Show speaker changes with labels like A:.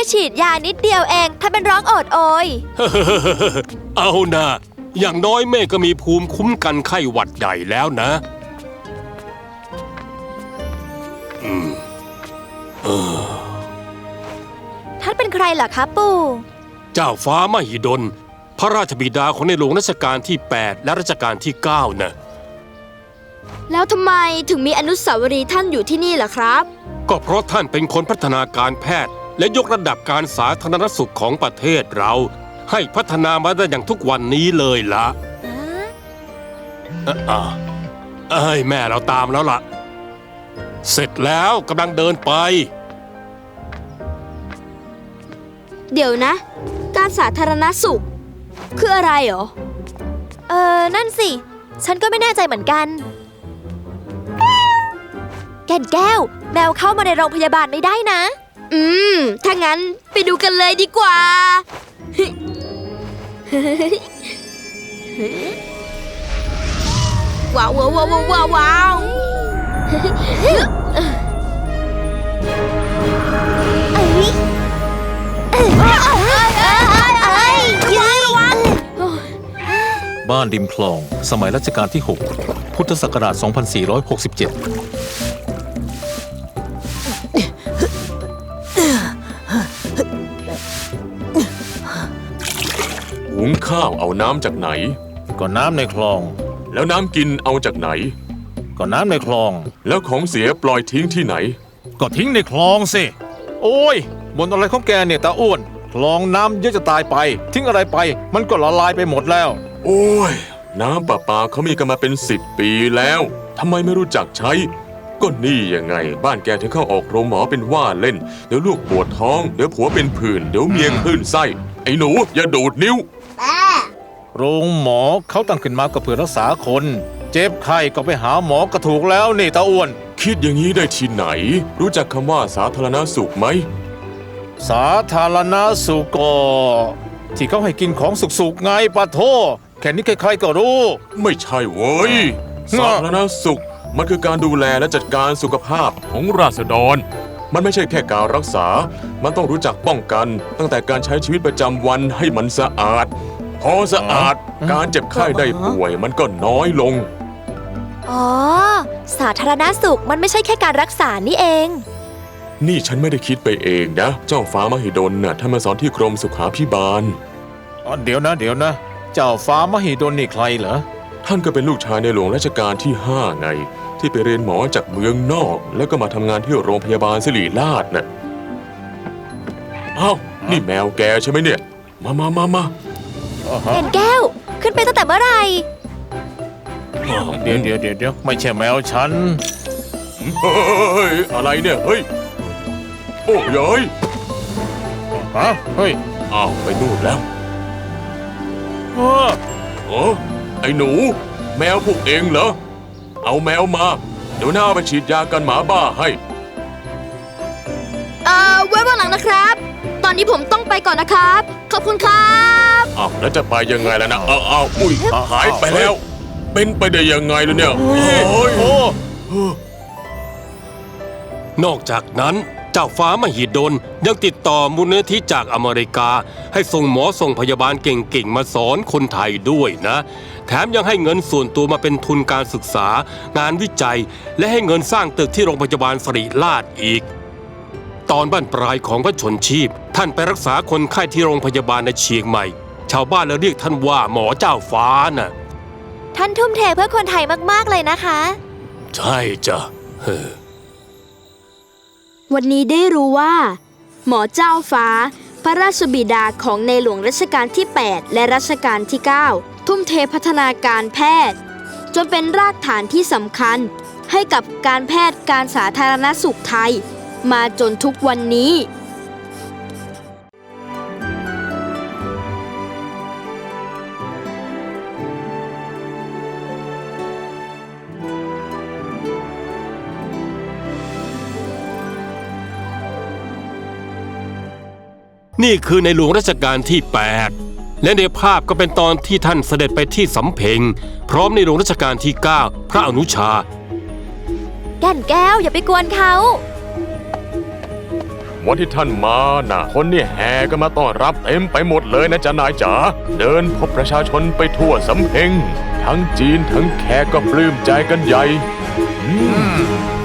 A: ฉีดยานิดเดียวเองถ้าเป็นร้องโอดโอย
B: เอานะอย่างน้อยแม่ก็มีภูมิคุ้มกันไข้หวัดใหญ่แล้วนะ
A: ท่านเป็นใครล่ะคะปู่
B: เจ้าฟ้ามหิดลพระราชบิดาของในหลวงรัชกาลที่ 8 และรัชกาลที่ 9นะ
C: แล้วทำไมถึงมีอนุสาวรีย์ท่านอยู่ที่นี่ล่ะครับ
B: ก็เพราะท่านเป็นคนพัฒนาการแพทย์และยกระดับการสาธารณสุขของประเทศเราให้พัฒนามาได้อย่างทุกวันนี้เลยละแม่เราตามแล้วล่ะเสร็จแล้วกำลังเดินไป
C: เดี๋ยวนะการสาธารณสุขคืออะไรหรอ
A: นั่นสิฉันก็ไม่แน่ใจเหมือนกันแก่นแก้วแมวเข้ามาในโรงพยาบาลไม่ได้นะ
C: ถ้างั้นไปดูกันเลยดีกว่าว้าวว้าวว้าวว้าวว้าว
D: บ้านริมคลองสมัยรัชกาลที่ 6 พุทธศักราช 2467
E: หุงข้าวเอาน้ำจากไหน
D: ก็น้ำในคลอง
E: แล้วน้ำกินเอาจากไหน
D: ก็น้ำในคลอง
E: แล้วของเสียปล่อยทิ้งที่ไหน
D: ก็ทิ้งในคลองสิโอ้ยบ่นอะไรของแกเนี่ยตาอ้วนคลองน้ำเยอะจะตายไปทิ้งอะไรไปมันก็ละลายไปหมดแล้ว
E: โอ้ยน้ำประปาเขามีกันมาเป็น10 ปีแล้วทำไมไม่รู้จักใช้ก็นี่ยังไงบ้านแกถึงเข้าออกโรงหมอเป็นว่าเล่นเดี๋ยวลูกปวดท้องเดี๋ยวผัวเป็นผื่นเดี๋ยวเมียคลื่นไส้ไอ้หนูอย่าดูดนิ้ว
D: โรงหมอเขาตั้งขึ้นมาก็เพื่อรักษาคนเจ็บไข้ก็ไปหาหมอก็ถูกแล้วนี่ตาอ้วน
E: คิดอย่างนี้ได้ที่ไหนรู้จักคำว่าสาธารณสุขไหม
D: สาธารณสุขก็ที่เขาให้กินของสุกๆไงปะโถแค่นี้ใครๆก็รู้
E: ไม่ใช่เว้ยสาธารณสุขมันคือการดูแลและจัดการสุขภาพของราษฎรมันไม่ใช่แค่การรักษามันต้องรู้จักป้องกันตั้งแต่การใช้ชีวิตประจำวันให้มันสะอาดพอสะอาดการเจ็บไข้ได้ป่วยมันก็น้อยลง
A: อ๋อสาธารณสุขมันไม่ใช่แค่การรักษานี่เอง
E: นี่ฉันไม่ได้คิดไปเองนะเจ้าฟ้ามหิดลน่ะท่านมาสอนที่กรมสุขาภิบาล
D: เดี๋ยวนะเจ้าฟ้ามหิดลนี่ใครเหรอ
E: ท่านก็เป็นลูกชายในหลวงรัชกาลที่ 5ไงที่ไปเรียนหมอจากเมืองนอกแล้วก็มาทำงานที่โรงพยาบาลศิริราชน่ะอ้าวนี่แมวแกใช่ไหมเนี่ยมา
A: แก่นแก้วขึ้นไปตั้งแต่เมื่อไหร่
D: เดี๋ยวไม่ใช่แมวฉัน
E: เฮ้ยอะไรเนี่ยเฮ้ยโอ้ย
D: เฮ้ย
E: อ้าวไปนู่นแล้วไอ้หนูแมวพวกเองเหรอเอาแมวมาเดี๋ยวหน้าไปฉีดยากันหมาบ้าให้
C: ไว้วันหลังนะครับตอนนี้ผมต้องไปก่อนนะครับขอบคุณครับ
E: อ้าวแล้วจะไปยังไงล่ะนะอุ้ยหายไปแล้วเป็นไปได้ยังไงล่ะเนี่ย
B: นอกจากนั้นเจ้าฟ้ามหิดลยังติดต่อมูลนิธิจากอเมริกาให้ส่งหมอส่งพยาบาลเก่งๆมาสอนคนไทยด้วยนะแถมยังให้เงินส่วนตัวมาเป็นทุนการศึกษางานวิจัยและให้เงินสร้างตึกที่โรงพยาบาลศิริราชอีกตอนบั้นปลายของพระชนชีพท่านไปรักษาคนไข้ที่โรงพยาบาลในเชียงใหม่ชาวบ้านเลยเรียกท่านว่าหมอเจ้าฟ้าน่ะ
A: ท่านทุ่มเทเพื่อคนไทยมากๆเลยนะคะ
B: ใช่จ้ะ
C: วันนี้ได้รู้ว่าหมอเจ้าฟ้าพระราชบิดาของในหลวงรัชกาลที่ 8 และรัชกาลที่ 9 ทุ่มเทพัฒนาการแพทย์จนเป็นรากฐานที่สำคัญให้กับการแพทย์การสาธารณสุขไทยมาจนทุกวันนี้
B: นี่คือในหลวงรัชกาลที่ 8และในภาพก็เป็นตอนที่ท่านเสด็จไปที่สำเพ็งพร้อมในหลวงรัชกาลที่ 9พระอนุชา
A: แก่นแก้วอย่าไปกวนเขา
E: มวันที่ท่านมาน่ะ คนนี่แห่กันมาต้อนรับเต็มไปหมดเลยนะจ๊ะนายจ๋า เดินพบประชาชนไปทั่วสำเพ็งทั้งจีนทั้งแขกก็ปลื้มใจกันใหญ่